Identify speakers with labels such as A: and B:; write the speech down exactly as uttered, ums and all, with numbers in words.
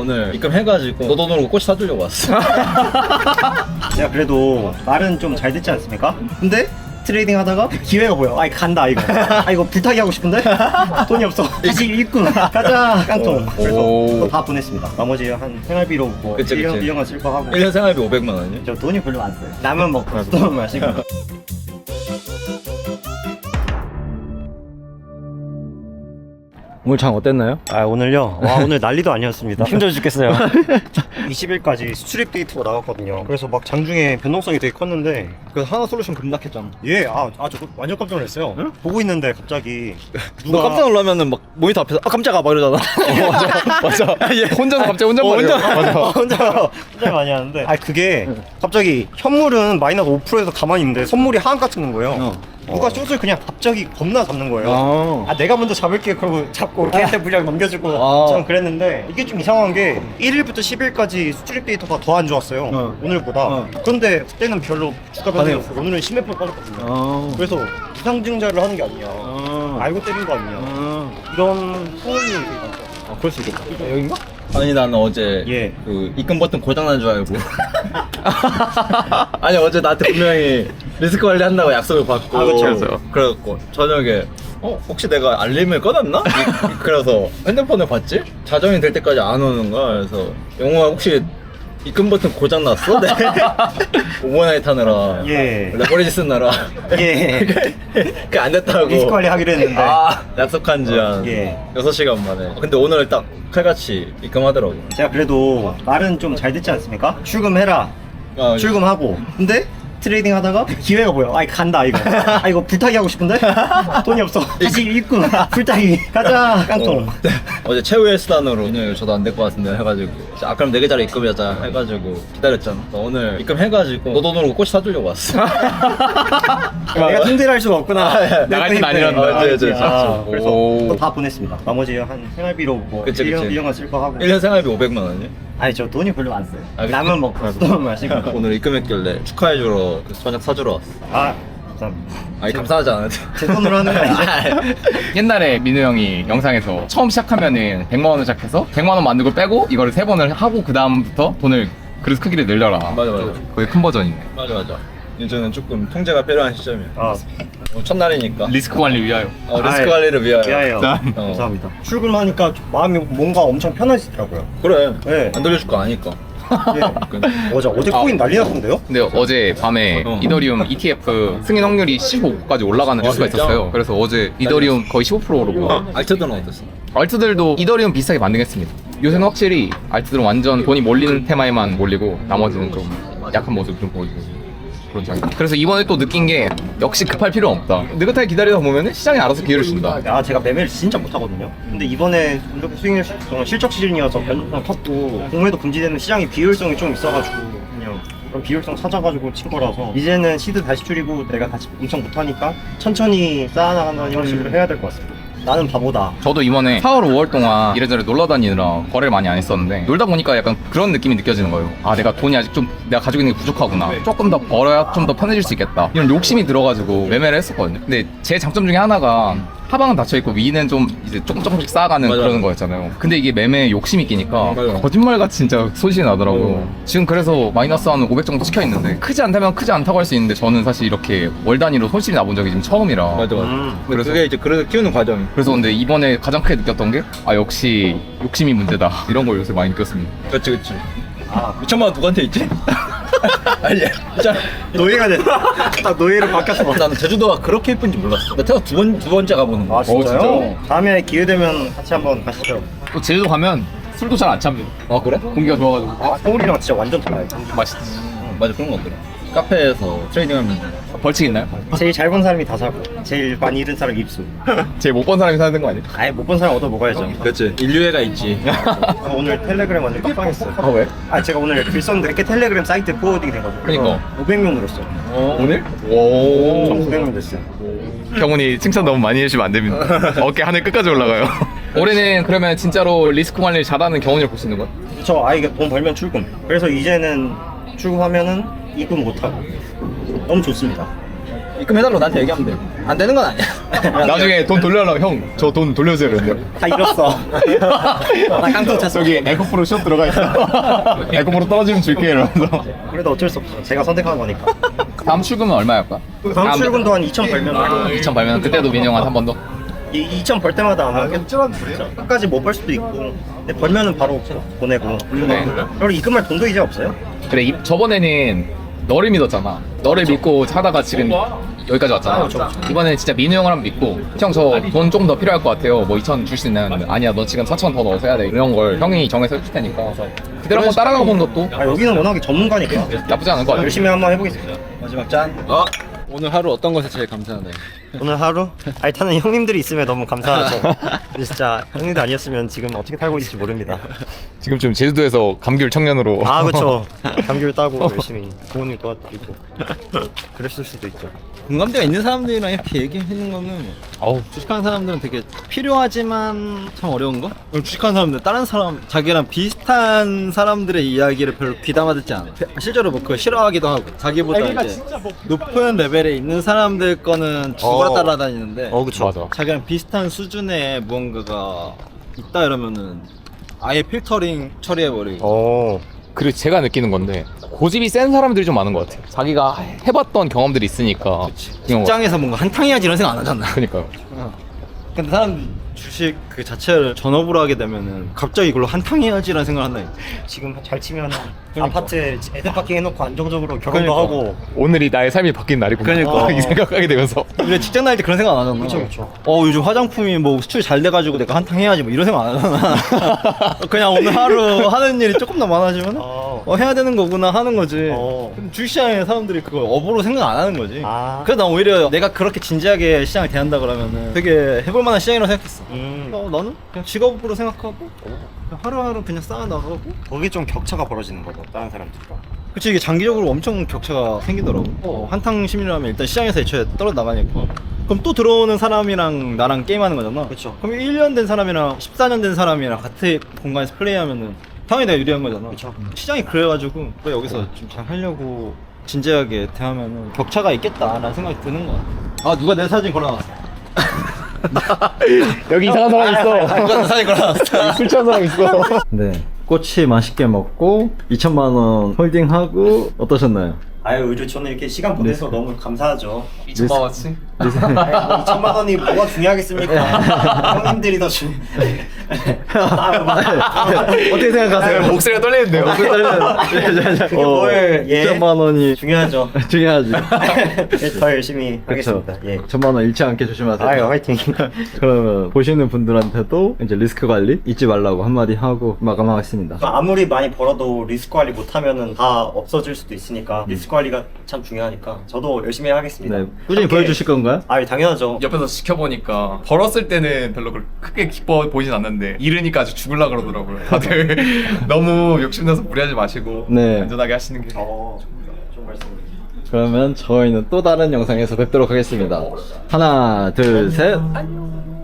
A: 오늘 입금해가지고 너 돈으로 꽃 사주려고 왔어.
B: 제가 그래도 말은 좀 잘 듣지 않습니까? 근데 트레이딩 하다가 기회가 보여. 아 이거 간다 이거. 아 이거 불타기 하고 싶은데 돈이 없어. 다시 입금 가자 깡통. 그래서
A: 오.
B: 그거 다 보냈습니다. 나머지 한 생활비로 뭐
A: 그치,
B: 일 년
A: 그치.
B: 일 년간 쓸 거 하고.
A: 일 년 생활비 오백만 원이요?
B: 저 돈이 별로 안 써요. 라면 먹고 또 마시고.
A: 오늘 장 어땠나요?
B: 아 오늘요? 와 오늘 난리도 아니었습니다. 힘들어 죽겠어요. 이십 일까지 수출입 데이터가 나왔거든요. 그래서 막 장중에 변동성이 되게 컸는데
A: 그래서 하나솔루션 급락했잖아.
B: 예, 아, 아, 저 완전 깜짝 놀랐어요.
A: 응?
B: 보고 있는데 갑자기
A: 누가 깜짝 놀라면은 막 모니터 앞에서 아 깜짝아 막 이러잖아. 어, 맞아 맞아. 예.
C: 혼자서 갑자기 혼자
A: 어,
C: 말해요.
A: 혼자.
B: 맞아. 혼자 혼자 많이 하는데. 아 그게 갑자기 현물은 마이너스 오 퍼센트에서 가만히 있는데 선물이 하한가 찍는 거예요.
A: 어.
B: 누가 숏을 그냥 갑자기 겁나 잡는 거예요.
A: 아.
B: 아 내가 먼저 잡을게 그러고 잡고 걔한테 물량 넘겨주고
A: 아.
B: 전 그랬는데 이게 좀 이상한 게 일 일부터 십 일까지 수출입 데이터가 더 안 좋았어요.
A: 어.
B: 오늘보다.
A: 어.
B: 그런데 그때는 별로 주가 변동이
A: 아니요.
B: 없어요. 오늘은 십몇 퍼센트 빠졌거든요.
A: 아.
B: 그래서 이상증자를 하는 게 아니야.
A: 아.
B: 알고 때린 거 아니야.
A: 아.
B: 이런 소문이 되게 많죠.
A: 아, 그럴 수 있겠다. 여긴가? 아니 나는 어제
B: 예.
A: 그 입금 버튼 고장난 줄 알고. 아니 어제 나한테 분명히 리스크 관리 한다고 약속을 받고.
B: 아, 그쵸.
C: 그래서요.
A: 그래갖고 저녁에 어 혹시 내가 알림을 꺼놨나? 이- 그래서 핸드폰을 봤지? 자정이 될 때까지 안 오는 거야. 그래서 영호야 혹시 입금 버튼 고장 났어? 네. 오버나이트 하느라.
B: 예.
A: 레버리지 쓰느라.
B: 예.
A: 그 안 됐다고.
B: 리스크 관리 하기로 했는데.
A: 아, 약속한 지 한
B: 예.
A: 여섯 시간 만에. 근데 오늘 딱 칼같이 입금하더라고.
B: 제가 그래도 말은 좀 잘 듣지 않습니까? 출금해라.
A: 아,
B: 출금하고. 근데 트레이딩 하다가 기회가 보여. 아 이거 간다 이거. 아 이거 불타기 하고 싶은데 돈이 없어. 다시 입금 불타기 가자 깡통.
A: 어, 어제 최후의 수단으로 오늘 저도 안 될 것 같은데 해가지고 아 그럼 네 계좌로 입금하자 해가지고 기다렸잖아. 오늘 입금해가지고 너 돈으로 꽃 사주려고 왔어.
B: 내가 통제할 수가 없구나.
C: 나갈 땐
B: 내
C: 아니란다.
B: 아,
A: 네, 네,
B: 아,
A: 네.
B: 그래서
C: 오.
B: 그거 다 보냈습니다. 나머지 한 생활비로 뭐
A: 그치,
B: 일 년
A: 그치.
B: 일 년간 쓸 거 하고.
A: 일 년 생활비 오백만 원이요?
B: 아니 저 돈이 별로 안 써요.
A: 아, 그치?
B: 라면 먹고 또 마시고.
A: 오늘 입금했길래 축하해주러 저녁 사주러 왔어.
B: 아 감사합니다.
A: 아니 감사하지 않아도
B: 제 돈으로 하는 거 아니죠?
C: 옛날에 민우 형이 영상에서 처음 시작하면은 백만 원을 시작해서 백만 원 만들고 빼고 이거를 세 번을 하고 그 다음부터 돈을 그릇 크기를 늘려라.
A: 맞아, 맞아.
C: 거의 큰 버전이네.
A: 맞아 맞아. 요즘은 조금 통제가 필요한 시점이야.
B: 아
A: 어, 첫날이니까
C: 리스크 관리 위하여.
A: 어, 리스크
B: 아이,
A: 관리를 위하여.
B: 미안해요.
C: 자.
A: 어.
B: 감사합니다. 출근하니까 마음이 뭔가 엄청 편해지더라고요.
A: 그래.
B: 네.
A: 안 돌려줄 거 아니까.
B: 예. 어제 어제 코인 난리 났던데요?
C: 근데 어제 밤에
A: 어.
C: 이더리움 이티에프 승인 확률이 십오까지 올라가는
A: 아,
C: 뉴스가
A: 진짜?
C: 있었어요. 그래서 어제 이더리움 거의 십오 퍼센트 오르고
A: 알트들은 어땠어?
C: 알트들도 이더리움 비슷하게 반등했습니다. 요새는 확실히 알트들은 완전 돈이 몰리는 테마에만 몰리고 나머지는 좀 약한 모습 좀 보여주고 그런 장면. 그래서 이번에 또 느낀 게 역시 급할 필요 없다. 느긋하게 기다리다 보면 시장이 알아서 기회를 준다.
B: 아 제가 매매를 진짜 못하거든요. 근데 이번에 이렇게 수익률 시- 어, 실적 시즌이어서 변동성 컸고 공매도 금지되는 시장이 비효율성이 좀 있어가지고 그냥 그런 비효율성 찾아가지고 친 거라서 이제는 시드 다시 줄이고 내가 다시 엄청 못하니까 천천히 쌓아나간다는 형식으로 해야 될 것 같습니다. 나는 바보다.
C: 저도 이번에 사월, 오월 동안 이래저래 놀러 다니느라 거래를 많이 안 했었는데 놀다 보니까 약간 그런 느낌이 느껴지는 거예요. 아 내가 돈이 아직 좀 내가 가지고 있는 게 부족하구나. 조금 더 벌어야 좀 더 편해질 수 있겠다. 이런 욕심이 들어가지고 매매를 했었거든요. 근데 제 장점 중에 하나가 하방은 닫혀있고 위는 좀 이제 조금 조금씩 쌓아가는
A: 맞아.
C: 그런 거였잖아요. 근데 이게 매매에 욕심이 끼니까
A: 맞아.
C: 거짓말같이 진짜 소식이 나더라고요.
A: 어.
C: 지금 그래서 마이너스 한 오백 정도 찍혀 있는데 크지 않다면 크지 않다고 할 수 있는데 저는 사실 이렇게 월 단위로 손실이 나본 적이 지금 처음이라.
A: 맞아 맞아.
B: 음.
A: 근데
C: 그래서-
A: 그게 이제 그래서 키우는 과정이.
C: 그래서 근데 이번에 가장 크게 느꼈던 게 아 역시 욕심이 문제다 이런 걸 요새 많이 느꼈습니다.
A: 그렇지 그렇지.
B: 아
A: 이천만 원 누구한테 있지? 아니 진짜
B: 노예가 됐다. 딱 노예로 바뀌었어.
A: 나는 제주도가 그렇게 예쁜지 몰랐어. 나 태어 두 번 두 번째 가보는 거.
B: 아 진짜요?
C: 진짜요?
B: 다음에 기회 되면 같이 한번 가시죠.
C: 또 제주도 가면 술도 잘 안 참니다.
A: 아 그래?
C: 공기가 좋아가지고
B: 아 서울이랑 진짜 완전 달라요.
C: 맛있지.
A: 맞아 그런 거 같더라. 카페에서 트레이딩하면
C: 벌칙 있나요?
B: 제일 잘 본 사람이 다 사고 제일 많이 잃은 사람 입수.
C: 제일 못 본 사람이 사는 거 아니에요?
B: 아예 못 본 사람 얻어 먹어야죠.
A: 그렇지. 인류애가 있지.
B: 아, 오늘 텔레그램 완전 빡빡했어요.
C: 아 왜?
B: 아 제가 오늘 글 썼는데 이렇게 텔레그램 사이트에 포워딩이 돼가지고
C: 그니까.
B: 오백 명 늘었어요.
A: 어.
C: 오늘?
A: 오.
B: 천구백 명 됐어요.
C: 경훈이 칭찬 너무 많이 해주시면 안 됩니다. 어깨 하늘 끝까지 올라가요. 올해는 그러면 진짜로 리스크 관리를 잘하는 경훈이를 볼 수 있는 거야?
B: 저 아 이게 돈 벌면 출금. 그래서 이제는 출금하면은 입금 못 하고 너무 좋습니다.
A: 입금해달라고 나한테 얘기하면 돼. 안 되는 건 아니야.
C: 나중에 돈 돌려달라고 형 저 돈 돌려주세요 이러는데
B: 다 잃었어.
A: 나 깡통 찼어.
C: 저기 에코프로 숏 들어가 있어 에코프로 떨어지면 줄게 이러면서
B: 그래도 어쩔 수 없어. 제가 선택한 거니까.
C: 다음 출금은 얼마일까?
B: 다음 출근도 한 이천 벌면
C: 이천 벌면 그때도 민영 한 번 더?
B: 이 이천 벌 때마다 아마 끝까지 못 벌 수도 있고. 근데 벌면은 바로 보내고.
C: 네.
B: 그리고 입금할 돈도 이제 없어요.
C: 그래 이, 저번에는 너를 믿었잖아 너를 믿고 하다가 지금 여기까지 왔잖아 이번에는 진짜 민우 형을 한번 믿고 형 저 돈 조금 더 필요할 것 같아요 뭐 이천 줄 수 있나요? 아니야 너 지금 사천 더 넣어서 해야 돼 이런 걸 형이 정해서 해줄 테니까 그대로 한번 따라가 보는 것도
B: 아 여기는 워낙에 전문가니까
C: 나쁘지 않은 것 같아
B: 열심히 한번 해보겠습니다.
A: 마지막 짠. 어? 오늘 하루 어떤 것에 제일 감사하나요?
B: 오늘 하루? 아, 일단은 형님들이 있으면 너무 감사하죠. 근데 진짜 형님들 아니었으면 지금 어떻게 살고 있을지 모릅니다.
C: 지금 좀 제주도에서 감귤 청년으로
B: 아 그렇죠. 감귤 따고 열심히 부모님 도와드리고 그랬을 수도 있죠.
A: 공감대가 있는 사람들이랑 이렇게 얘기하는 거는
C: 어우
A: 주식하는 사람들은 되게 필요하지만 참 어려운 거? 주식하는 사람들 다른 사람 자기랑 비슷한 사람들의 이야기를 별로 귀담아 듣지 않아. 실제로 뭐 그거 싫어하기도 하고 자기보다 이제 높은 레벨에 있는 사람들 거는 죽어라
B: 어.
A: 따라다니는데
B: 어 그쵸.
C: 맞아
A: 자기랑 비슷한 수준의 무언가가 있다 이러면은 아예 필터링 처리해버리고
B: 어.
C: 그리고 제가 느끼는 건데 고집이 센 사람들이 좀 많은 것 같아요 자기가 해봤던 경험들이 있으니까 그런 거-
A: 직장에서 뭔가 한탕 해야지 이런 생각 안 하잖아.
C: 그러니까요
A: 근데 사람 주식 그 자체를 전업으로 하게 되면은 갑자기 이걸로 한탕 해야지라는 생각을 한다.
B: 지금 잘 치면 아파트에 애들 파킹 해놓고 안정적으로 결혼도
A: 그러니까.
B: 하고.
C: 오늘이 나의 삶이 바뀐 날이구나
A: 그러니까.
C: 이 생각하게 되면서
A: 우리가 직장 다닐 때 그런 생각 안 하잖아.
B: 그쵸, 그쵸.
A: 어 요즘 화장품이 뭐 수출 잘 돼가지고 내가 한탕 해야지 뭐 이런 생각 안 하잖아. 그냥 오늘 하루 하는 일이 조금 더 많아지면
B: 어.
A: 어 해야 되는 거구나 하는 거지.
B: 어.
A: 근데 주식시장에 사람들이 그걸 업으로 생각 안 하는 거지.
B: 아.
A: 그래서 난 오히려 내가 그렇게 진지하게 시장을 대한다 그러면은 되게 해볼 만한 시장이라고 생각했어.
B: 음.
A: 어, 나는 그냥 직업으로 생각하고 그냥 하루하루 그냥 쌓아나가고.
B: 거기 좀 격차가 벌어지는 거죠. 다른 사람들과.
A: 그치 이게 장기적으로 엄청 격차가 생기더라고. 어, 한탕 시민이라면 일단 시장에서 애초에 떨어 나가니까. 그럼 또 들어오는 사람이랑 나랑 게임하는 거잖아.
B: 그쵸.
A: 그럼 일 년 된 사람이랑 십사 년 된 사람이랑 같은 공간에서 플레이하면은 당연히 내가 유리한 거잖아.
B: 그쵸.
A: 시장이 그래가지고 또 여기서 좀 잘 하려고 진지하게 대하면은 격차가 있겠다라는 생각이 드는 거 같아. 아 누가 내 사진 걸어놨어.
C: 여기 이상한 사람 있어
A: 누가 내 사진 걸어놨어.
C: 술 취한 사람 있어
A: 네. 꼬치 맛있게 먹고 이천만 원 홀딩하고 어떠셨나요?
B: 아유 요즘 저는 이렇게 시간 보내서 너무 감사하죠.
C: 이천만 원치?
B: 이천만 원이 뭐가 중요하겠습니까? 형님들이 더 중요. 아,
A: 어떻게 생각하세요?
C: 목소리가 떨리는데요
A: 목소리 떨리는.
B: 그게 뭘, 예.
A: 이천만 원이
B: 중요하죠.
A: 중요하지.
B: 예, 더 열심히
A: 그렇죠.
B: 하겠습니다. 예.
A: 천만 원 잃지 않게 조심하세요.
B: 아유 화이팅.
A: 그러면 보시는 분들한테도 이제 리스크 관리 잊지 말라고 한마디 하고 마감하겠습니다.
B: 아무리 많이 벌어도 리스크 관리 못하면은 다 없어질 수도 있으니까 리스크 관리가 참 중요하니까 저도 열심히 하겠습니다.
A: 네, 꾸준히
B: 함께-
A: 보여주실 건가요?
B: 아 당연하죠.
C: 옆에서 지켜보니까 벌었을 때는 별로 그렇게 크게 기뻐 보이진 않는데 잃으니까 아주 죽을라 그러더라고요 다들 너무 욕심내서 무리하지 마시고
A: 네.
C: 안전하게 하시는 게
B: 어, 좀 말씀.
A: 그러면 저희는 또 다른 영상에서 뵙도록 하겠습니다. 하나, 둘, 셋.
B: 안녕.